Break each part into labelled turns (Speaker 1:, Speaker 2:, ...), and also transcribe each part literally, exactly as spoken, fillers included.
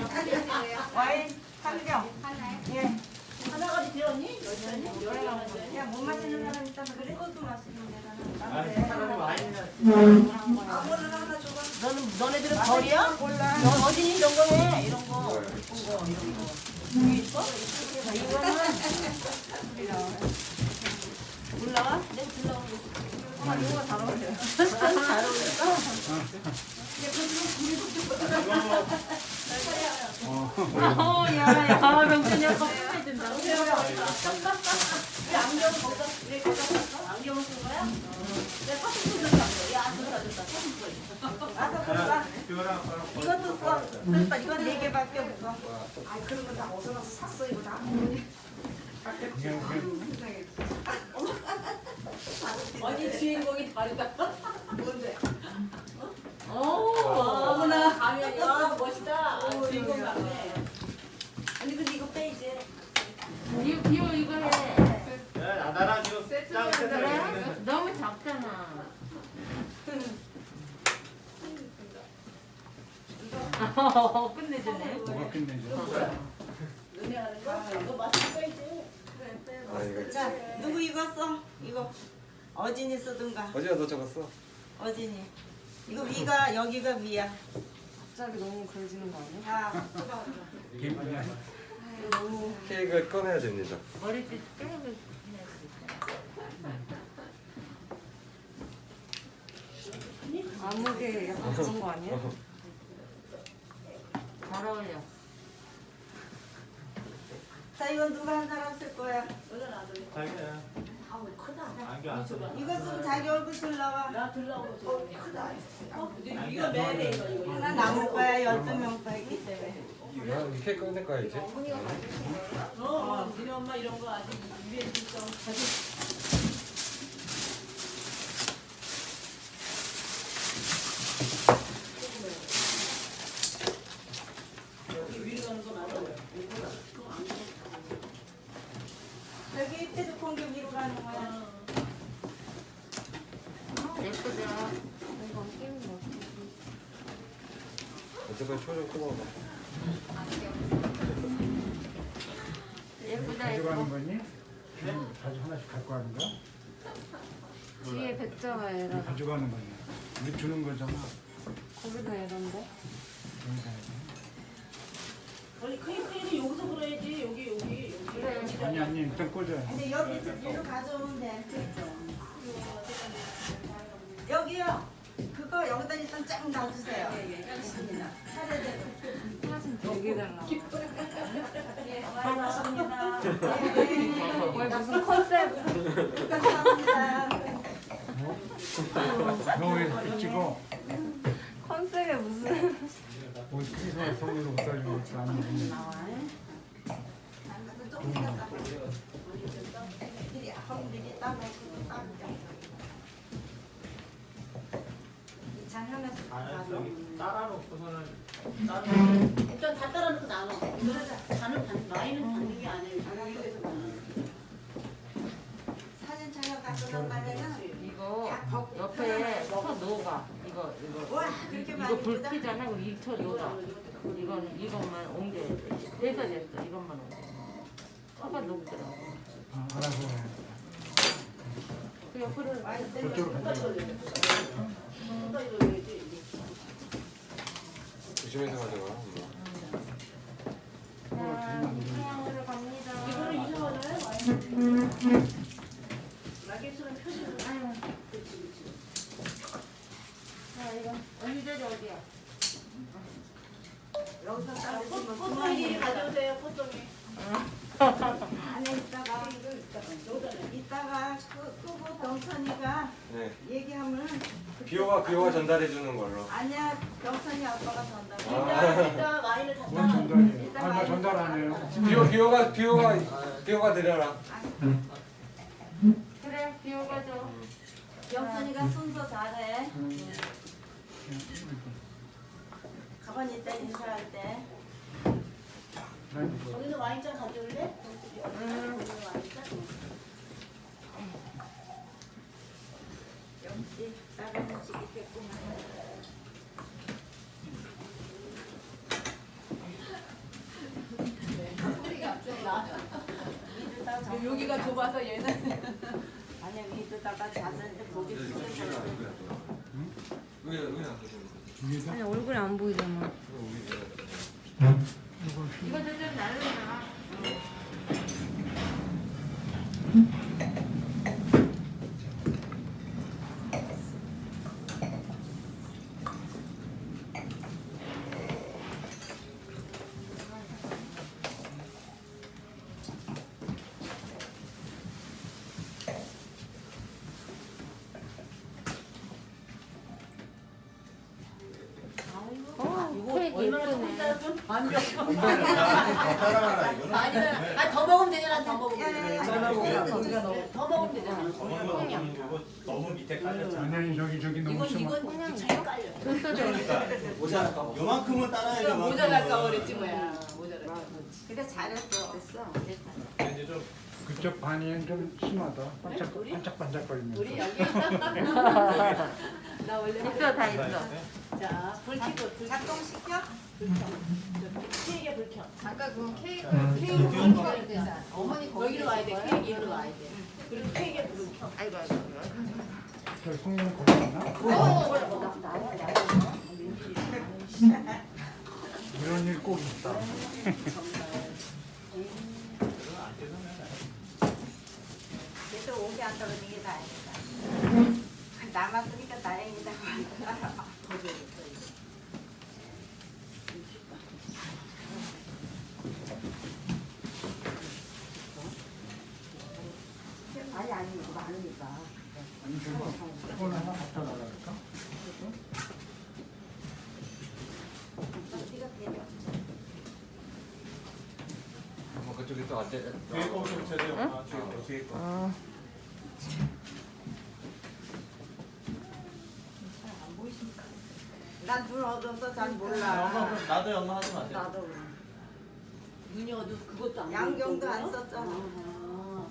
Speaker 1: 와인 한 병. 예.
Speaker 2: 하나까지 들었니? 여전히?
Speaker 1: 야, 못 마시는 사람 있다면 그래? 그것도 마시는 데다가.
Speaker 3: 아니 사람이 와인이나
Speaker 1: 아무거나 하나 줘봐.
Speaker 2: 너는 너네들은 벌이야?
Speaker 1: 몰라.
Speaker 2: 너 어디 이런 거 해? 이런 거 예쁜 거 이런 거. 여기 있어?
Speaker 1: 이거는
Speaker 2: 올라와? 내가 들라오는 거.
Speaker 1: 아, 이거가 잘 어울려.
Speaker 2: 잘 어울릴까?
Speaker 4: 어, 야, 야, 명준이 아빠 해준다.
Speaker 2: 왜 안경을 거기다 왜 거기다 샀어? 안경을 쓴 거야? 내가 사슴 줬다. 야, 줬다 줬다. 사슴 줬다.
Speaker 1: 와서 볼까?
Speaker 3: 이거랑
Speaker 1: 이것도 써. 됐다. 이건 네 개밖에 없어. 아, 그런 거 다 어디서 가서 샀어. 이거 다.
Speaker 2: 어디 주인공이 다르다.
Speaker 1: 뭔데?
Speaker 2: 오, 어머나 가면이 와 멋있다. 주인공 같네.
Speaker 1: 아니, 근데 이거 빼, 이제.
Speaker 4: 이거, 이거, 이거 해.
Speaker 3: 야 나랑 지금 짱 세트를
Speaker 4: 그래? 너무 작잖아. 어, 끝내주네.
Speaker 5: 뭐가 끝내죠?
Speaker 2: 눈에 하는 거? 이거 맛있을 거 이제.
Speaker 6: 아 이거
Speaker 1: 자, 누구 이거 써? 이거. 어진이 쓰든가.
Speaker 6: 어제가 너 적었어?
Speaker 1: 어진이. 이거 위가, 여기가 위야.
Speaker 7: 갑자기 너무 그려지는 거 아니야?
Speaker 1: 다 뜯어.
Speaker 5: 김이야.
Speaker 1: 너무.
Speaker 6: 케이크를 꺼내야 됩니다.
Speaker 4: 머리띠 빼고 해야 돼.
Speaker 7: 아무게 약간 그런 거 아니야?
Speaker 4: 잘 어울려.
Speaker 1: 자, 이건 누가 한 사람 쓸 거야?
Speaker 3: 자기야
Speaker 2: 아우 크다.
Speaker 3: 안경 안 써봐.
Speaker 1: 이거 쓰면 자기 얼굴 들 나와.
Speaker 2: 나 들라고 저 크다. 어, 이거 매래 이거 이거.
Speaker 1: 하나 남을 거야. 열두 명 거있기 때문에.
Speaker 6: 야, 이 케이크 꺼낼 거야 이제?
Speaker 2: 어, 니네 엄마 이런 거 아직 입에 있어. 가지. 여기 위로 가는 거 맞아?
Speaker 1: 여기 이때도 공기 위로 가는 거야.
Speaker 4: 예쁘다.
Speaker 6: 어쨌든 초좀 끄고
Speaker 4: 예쁘다,
Speaker 5: 가져가는
Speaker 4: 예뻐.
Speaker 5: 거니? 지금 자주 하나씩 갖고 가는 거야?
Speaker 7: 뒤에 백자가 에라.
Speaker 5: 가져가는 거니? 우리 주는 거잖아.
Speaker 7: 거기가 에란데?
Speaker 5: 여기 가야 돼.
Speaker 2: 아니 크리크리는 여기서 그려야지. 여기 여기 여기.
Speaker 4: 그래.
Speaker 5: 아니 아니 일단 꽂아야 돼.
Speaker 1: 근데 여기 위로 가져오면 돼. 여기요. 그거 여기다 일단 쫙 놔주세요. 차례대로.
Speaker 7: 되게 달라.
Speaker 1: 고맙습니다.
Speaker 7: 왜 무슨 컨셉?
Speaker 1: 감사합니다.
Speaker 5: 너왜 찍어?
Speaker 7: 컨셉에 무슨
Speaker 5: 뭐 찍어 손으로 못 살리고 있어 아니.
Speaker 1: 애들이 아빠들이 따먹고 따먹고. 잔 하나씩
Speaker 3: 아 여기 따라놓고서는
Speaker 2: 일단 다 따라놓고 나눠. 잔은 반, 와인은 받는 게 아니에요. 이쪽에서 나눠.
Speaker 1: 사진 촬영 갖고 나가면은
Speaker 4: 이거 옆에 쳐 놓아. 이거, 이거.
Speaker 1: 와 그렇게
Speaker 4: 이거
Speaker 1: 많이
Speaker 4: 불
Speaker 1: 뜯어?
Speaker 4: 피잖아. 그럼 이쳐 놓아. 이거는, 이것만 옮겨야 돼. 됐어, 됐어. 이것만 옮겨. 쳐가 녹더라고.
Speaker 5: 아, 알아서 해.
Speaker 4: 그 옆으로
Speaker 1: 와인
Speaker 5: 저쪽으로 가자.
Speaker 6: 조심해서 가져가. 엄마.
Speaker 4: 자, 태양으로 갑니다.
Speaker 2: 이거는 이상하네. 와인. 라게스는 표시를.
Speaker 4: 아유,
Speaker 2: 그렇지 그렇지.
Speaker 4: 자, 이거. 언니 자리 어디야?
Speaker 1: 여기서
Speaker 2: 아,
Speaker 1: 따르시면
Speaker 2: 포- 포송이 가져오세요. 포송이.
Speaker 1: 안에 있다가 이따가 끄, 끄고 병선이가
Speaker 6: 네.
Speaker 1: 얘기하면
Speaker 6: 비호가 비호가 전달해 주는 걸로.
Speaker 1: 아니야 병선이 아빠가 전달해.
Speaker 2: 일단 일단 와인을 다
Speaker 5: 뭔
Speaker 2: 따.
Speaker 5: 전달이에요? 아, 나 전달 안 해요.
Speaker 6: 비호 비호가 비호가 비호가 드려라.
Speaker 4: 그래, 비호가 줘.
Speaker 1: 병선이가 순서 잘해. 가만히 있다 인사할 때.
Speaker 2: 거기는 와인잔 가져올래?
Speaker 4: 응.
Speaker 2: 거기는 와인잔?
Speaker 1: 역시 다른 음식이 됐구만.
Speaker 2: 여기가 좁아서 얘는
Speaker 1: 아니야 위에다가 자세한테 고개 숙여서
Speaker 6: 왜, 왜 안 돼?
Speaker 5: 위에서
Speaker 7: 아니 얼굴이 안 보이잖아.
Speaker 4: 이거 저좀 나누나. 어, 케이크 예쁘네.
Speaker 2: 완벽.
Speaker 3: 따라하라 이거는.
Speaker 2: 아니면 아더 먹으면 되잖아. 더 먹으면 되잖아.
Speaker 1: 잘라보고
Speaker 2: 더 먹으면 되잖아.
Speaker 3: 어머니 먹는 거고 너무 밑에 깔렸잖아.
Speaker 5: 아니 저기 저기 너무
Speaker 2: 이건
Speaker 5: 심하.
Speaker 2: 이건 잘 깔려.
Speaker 3: 그러니까 모자랄까 봐. 요만큼은 따라야 돼.
Speaker 2: 모자랄까 그랬지 뭐야. 모자랄까.
Speaker 1: 그래 잘했어 됐어
Speaker 3: 이제 좀
Speaker 5: 그쪽 반이 좀 심하다. 반짝
Speaker 2: 우리?
Speaker 5: 반짝반짝거리면서.
Speaker 2: 우리 여기 나 원래
Speaker 4: 있어 다 있어.
Speaker 2: 자, 불 켜고 불 켜.
Speaker 1: 작동시켜?
Speaker 2: 케이크에 불 켜.
Speaker 7: 아까 그 케이크
Speaker 2: 케이크 불 켜야 되잖아. 어머니 거기로 와야 돼. 케이크 이리로 와야 돼. 그리고 케이크에 불 켜.
Speaker 4: 아이고 아이고.
Speaker 5: 저 송영 거기 있나? 이런 일 꼭 있다.
Speaker 1: 그래도 오게 안 떨어지는 게 다행이다 남았으니까 다행이다 아니 아니 이거 많으니까
Speaker 5: 아니 저거 폰 하나 갖다 놔랄까?
Speaker 1: 네가 되려
Speaker 6: 어, 그쪽에 또 앉아.
Speaker 3: 뒤에 거좀 제대로. 아, 뒤에 거.
Speaker 6: 뒤에 거.
Speaker 4: 어.
Speaker 1: 난 눈 어두워서 잘
Speaker 3: 엄마
Speaker 1: 몰라
Speaker 3: 그럼 나도 엄마 하지 마세요.
Speaker 1: 나도
Speaker 2: 눈이 어두 그것도 안
Speaker 1: 양경도
Speaker 2: 보이는
Speaker 1: 안
Speaker 2: 거야?
Speaker 1: 썼잖아
Speaker 2: 아.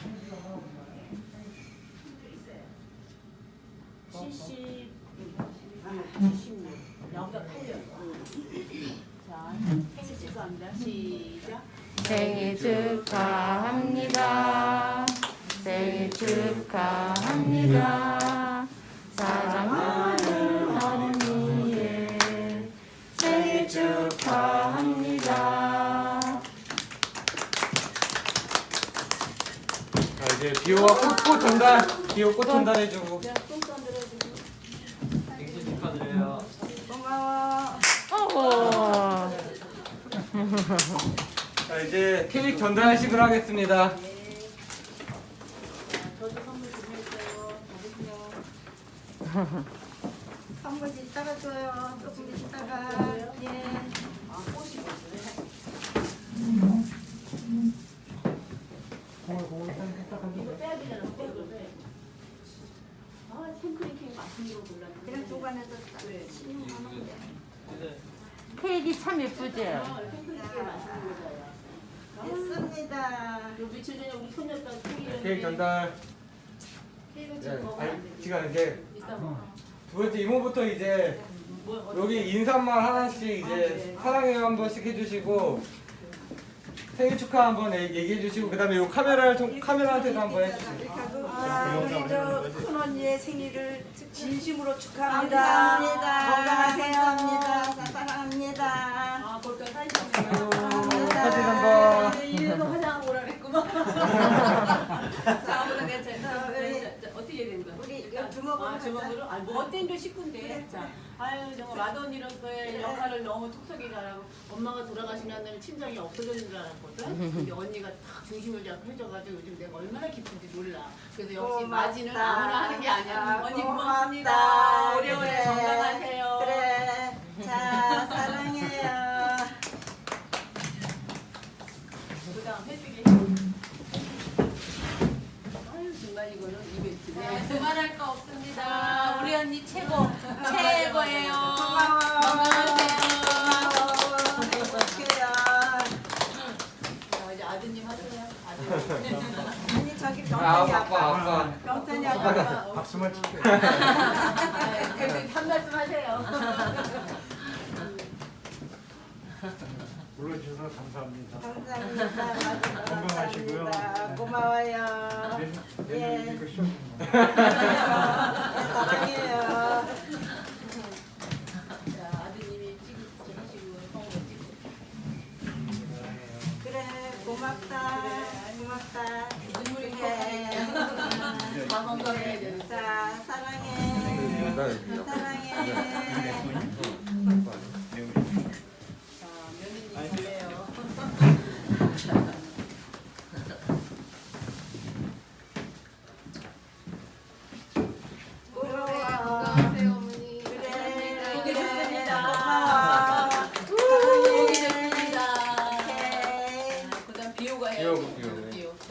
Speaker 2: 칠십 칠십육 여기가 팔려. 자, 생일 축하합니다. 시작.
Speaker 4: 생일 축하합니다. 생일 축하합니다. 사랑하는 언니의 생일 축하합니다.
Speaker 6: 자, 이제 비호가 꽃, 꽃 전달. 비호 꽃 전달해주고.
Speaker 2: 자, 똥 싸들어주고.
Speaker 3: 생신 축하드려요.
Speaker 1: 고마워
Speaker 4: 어허.
Speaker 6: 자, 이제 케이크 전달식을 하겠습니다.
Speaker 2: 네. 자, 저도 선물 준비했어요. 받으세요.
Speaker 1: 선물 이따가 줘요 조금 이따가 예
Speaker 2: 아, 꽃이 있어요. 이거 빼야 되잖아. 이거 빼. 아, 생크림 케이크 맛있는 거 골랐는데.
Speaker 1: 그냥 주관에서
Speaker 2: 그래.
Speaker 1: 신용하면 돼
Speaker 3: 이제
Speaker 4: 케이크 참 예쁘지?
Speaker 2: 아, 생크림 케이크 맛있는 거잖아.
Speaker 1: 됐습니다
Speaker 2: 요 며칠 전에 우리 손녀딸 케이크
Speaker 6: 케이크 전달.
Speaker 2: 케이크
Speaker 6: 네,
Speaker 2: 지금 먹으면 안
Speaker 6: 아니,
Speaker 2: 돼.
Speaker 6: 지금 이제
Speaker 2: 이따 먹어.
Speaker 6: 두 번째 이모부터 이제
Speaker 2: 뭐, 어떻게
Speaker 6: 여기 인사말 하나씩 이제 사랑해요 한 번씩 해주시고 생일 축하 한번 얘- 얘기해 주시고 그다음에 요 카메라를 통 카메라한테도 한번 해주세요.
Speaker 1: 아, 우리 저 큰 언니의 생일을 진심으로 축하합니다.
Speaker 2: 감사합니다.
Speaker 1: 건강하세요. 감사합니다. 사랑합니다.
Speaker 2: 아, 볼까 사진
Speaker 6: 아이고,
Speaker 2: 한번.
Speaker 6: 사진 한번.
Speaker 2: 이래서 화장하고 오라 그랬구만. 자, 오늘 내 자, 자,
Speaker 1: 우리-
Speaker 2: 자, 자, 어떻게 해야 되는 거야?
Speaker 1: 우리
Speaker 2: 일단,
Speaker 1: 주먹으로
Speaker 2: 아,
Speaker 1: 하자.
Speaker 2: 주먹으로? 아, 뭐 어땠는데 식구인데.
Speaker 1: 그래.
Speaker 2: 자, 아유, 정말 맏언니로서의 역할을 너무 톡톡히 잘하고 엄마가 돌아가신 날은 친정이 없어졌는 줄 알았거든. 근데 언니가 딱 중심을 잡고 해줘가지고 요즘 내가 얼마나 기쁜지 몰라. 그래서 역시
Speaker 1: 고맙다.
Speaker 2: 맞이는 아무나 하는 게 아니야. 언니 고맙습니다.
Speaker 1: 고맙다.
Speaker 2: 오래오래
Speaker 1: 그래.
Speaker 2: 건강하세요.
Speaker 1: 그래. 자, 사랑해요.
Speaker 2: 그 다음 회식이. 아유, 정말 이거는 이벤트네.
Speaker 4: 그만할 거 없습니다.
Speaker 2: 자, 우리 언니 최고. 최고예요.
Speaker 1: 고마워.
Speaker 2: 건강하세요.
Speaker 1: 고마워. 행복해요.
Speaker 2: 자, 이제 아드님 하세요. 아드님.
Speaker 1: 언니 저기
Speaker 6: 아,
Speaker 1: 병찬이
Speaker 6: 아빠,
Speaker 1: 아빠.
Speaker 6: 아빠.
Speaker 1: 병찬이 아빠.
Speaker 5: 박수만 칠게.
Speaker 2: 아, 그래도 한 말씀 하세요.
Speaker 5: 불러주셔서 감사합니다.
Speaker 1: 감사합니다.
Speaker 5: 건강하시고요.
Speaker 1: 감사합니다. 고마워요.
Speaker 5: 내년
Speaker 1: 예.
Speaker 5: 내년 이거 시험
Speaker 1: 사랑해요.
Speaker 2: 자, 아드님이 찍으시고 성우가 찍고.
Speaker 1: 그래 고맙다. 고맙다.
Speaker 2: 눈물이
Speaker 1: 그래.
Speaker 2: 다 건강해야 되는.
Speaker 1: 자 사랑해. 사랑해.
Speaker 2: 자, 며느님 잘해요.
Speaker 7: 건강하세요 어머니.
Speaker 1: 그래.
Speaker 2: 보기 좋습니다.
Speaker 1: 고마워.
Speaker 2: 보기 좋습니다.
Speaker 1: 오케이.
Speaker 2: 그다음 비호가 해요.
Speaker 6: 비호고, 비호.
Speaker 2: 비호. 자.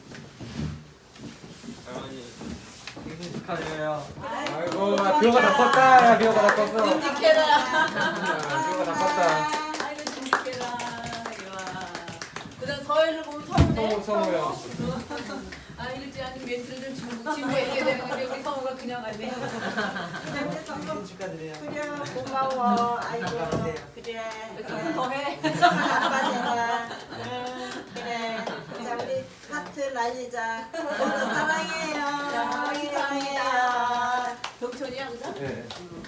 Speaker 6: 할머니 생신 축하드려요. 아이고 나 비호가 다 컸다. 야 비호가 다 컸어.
Speaker 2: 듬직해라.
Speaker 6: 야, 비호가 다 컸다.
Speaker 2: 아이고 듬직해라. 이와. 그다음 서해를 보면 서우네.
Speaker 6: 성우 성우요.
Speaker 2: 아 읽지 않은 멘트를 좀 지우고 얘기해야 되는데 우리 성우가 그냥 하네.
Speaker 1: 그래 성공
Speaker 3: 축하드려요.
Speaker 1: 그래 고마워. 아이고 그래.
Speaker 2: 조금 더 해.
Speaker 1: 아빠잖아. 응, 그래. 자 우리 하트 날리자. 모두 사랑해요. 사랑해요.
Speaker 2: 동천이야 그죠?
Speaker 6: 네.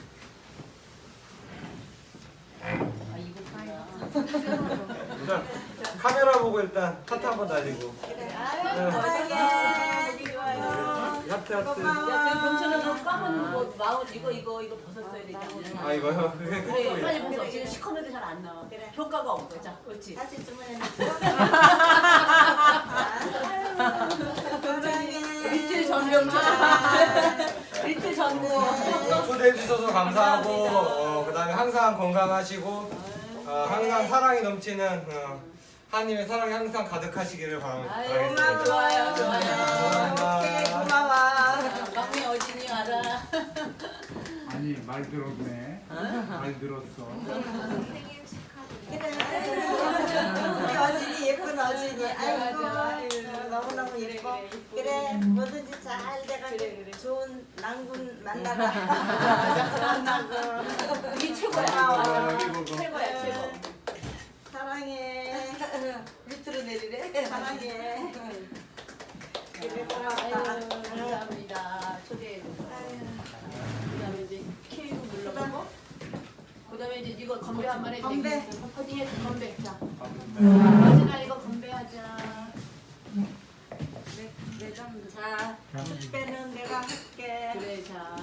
Speaker 2: 아 이거 뭐야?
Speaker 6: 일단 카메라 보고 일단 하트 한번 날리고.
Speaker 1: 그래. 아유 사랑해. 좋아요.
Speaker 6: 하트 하트.
Speaker 2: 야, 그 동천은 너 까만 뭐 마운 이거 이거 이거 벗었어야 되지 않냐?
Speaker 6: 아 이거요? 그게
Speaker 2: 그래
Speaker 6: 컸어요.
Speaker 2: 빨리 벗어. 지금 시커멓게 잘 안 나와.
Speaker 1: 그래.
Speaker 2: 효과가 없어. 자, 그렇지.
Speaker 1: 다시 주문해 사랑해.
Speaker 2: 리틀 전병자. 리틀 전무.
Speaker 6: 초대해 주셔서 감사하고 어, 그다음에 항상 건강하시고 어, 항상 사랑이 넘치는 어, 하나님의 사랑이 항상 가득하시기를 바라-
Speaker 2: 아유,
Speaker 6: 바라겠습니다.
Speaker 2: 좋아요, 좋아요.
Speaker 1: 오케이 고마워.
Speaker 2: 막내 어진이 알아.
Speaker 5: 아니 말 들었네. 말 들었어.
Speaker 1: 그래. 우리 어진이 예쁜 어진이. 아이고 아이고, 너무너무 예뻐. 그래 뭐든지 잘 돼가지고
Speaker 2: 그래, 그래.
Speaker 1: 좋은 낭군 만나라. 좋은 낭군.
Speaker 2: 이게 최고야.
Speaker 1: 고마워.
Speaker 2: 최고야, 최고.
Speaker 1: 사랑해. 밑으로 내리래. 사랑해. 그래 고맙다.
Speaker 2: 아유, 감사합니다. 초대해줘서. 그다음에 이제 케이크 눌러보고. 그다음에 이제 이거 건배 한 번 해.
Speaker 1: 건배.
Speaker 2: 어디 해? 건배. 자. 어진아 이거 건배하자.
Speaker 1: 자, 빼는 내가 할게.
Speaker 2: 그래, 자.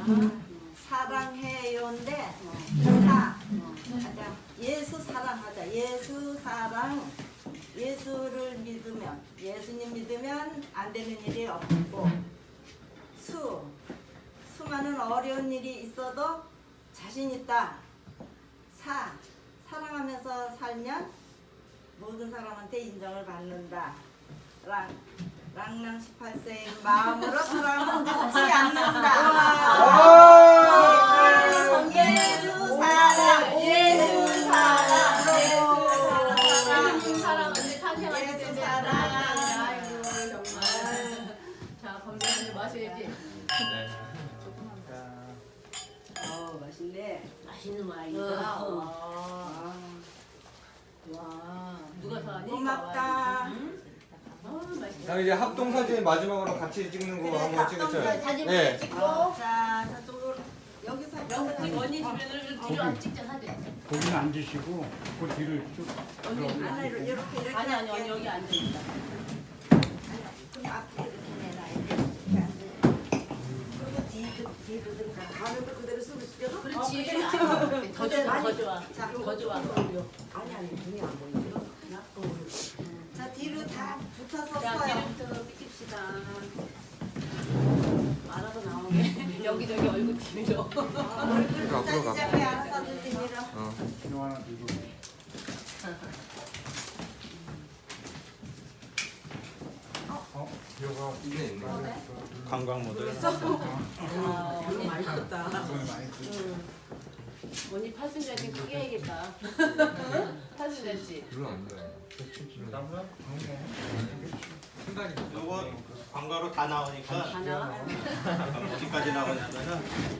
Speaker 1: 사랑해요인데 사 하자. 예수 사랑하자. 예수 사랑. 예수를 믿으면 예수님 믿으면 안 되는 일이 없고 수 수많은 어려운 일이 있어도 자신 있다. 사 사랑하면서 살면 모든 사람한테 인정을 받는다. 랑 랑랑 십팔 세의 마음으로 사랑은 늦지 않는다. 예수 사랑 예수 사랑
Speaker 2: 예수님 사랑 언니 탄생하실
Speaker 1: 예수
Speaker 2: 텐데.
Speaker 1: 사랑.
Speaker 2: 아이고, 정말. 자, 건배 한잔 마셔야지.
Speaker 1: 어 맛있네.
Speaker 2: 맛있는 와인이다. 와. 와. 누가 사니?
Speaker 1: 고맙다.
Speaker 2: 응? 어, 맛있다.
Speaker 6: 그다음에 이제 합동 사진 마지막으로 같이 찍는 거 한번 찍으셔요.
Speaker 2: 사진
Speaker 6: 네.
Speaker 2: 찍고.
Speaker 1: 자 저쪽으로 여기서
Speaker 2: 영지 언니 주변을 뒤로 안 찍자 사진.
Speaker 5: 거기는 앉으시고 그 뒤를 쭉.
Speaker 2: 언니
Speaker 1: 안에 이렇게 이렇게
Speaker 2: 아니 아니
Speaker 1: 할게.
Speaker 2: 언니 여기 앉아 있다.
Speaker 1: 그럼 앞에 이렇게 내놔 이렇게 앉아. 그리고 뒤 뒤로 들어가. 가면서 그대로 숨을 쉬어도.
Speaker 2: 그렇지.
Speaker 1: 어,
Speaker 2: 아니, 더 좋아 더 좋아.
Speaker 1: 자,
Speaker 2: 더 좋아.
Speaker 1: 아니 아니 눈이 안 보이죠? 자 뒤로 다 붙어서
Speaker 2: 자
Speaker 1: 서요.
Speaker 2: 뒤로부터 찍힙시다. 알아서 나오게. 여기저기 얼굴 뒤로.
Speaker 1: 얼굴
Speaker 6: 앞으로 가.
Speaker 1: 짜지작게 알아서 들리밀어.
Speaker 6: 어.
Speaker 5: 이거 하나 들고. 어? 비호가
Speaker 6: 있네 있네.
Speaker 3: 관광 모드.
Speaker 2: 아, 언니
Speaker 1: 많이 컸다.
Speaker 5: 돈을 많이 쓰.
Speaker 2: 언니 팔순자지 크게 해야겠다. 팔순자지.
Speaker 6: 별로 안 좋아해.
Speaker 3: 남편?
Speaker 6: 신발이
Speaker 3: 요거 광고로 다 나오니까
Speaker 2: 하나.
Speaker 3: 어디까지 나오냐면은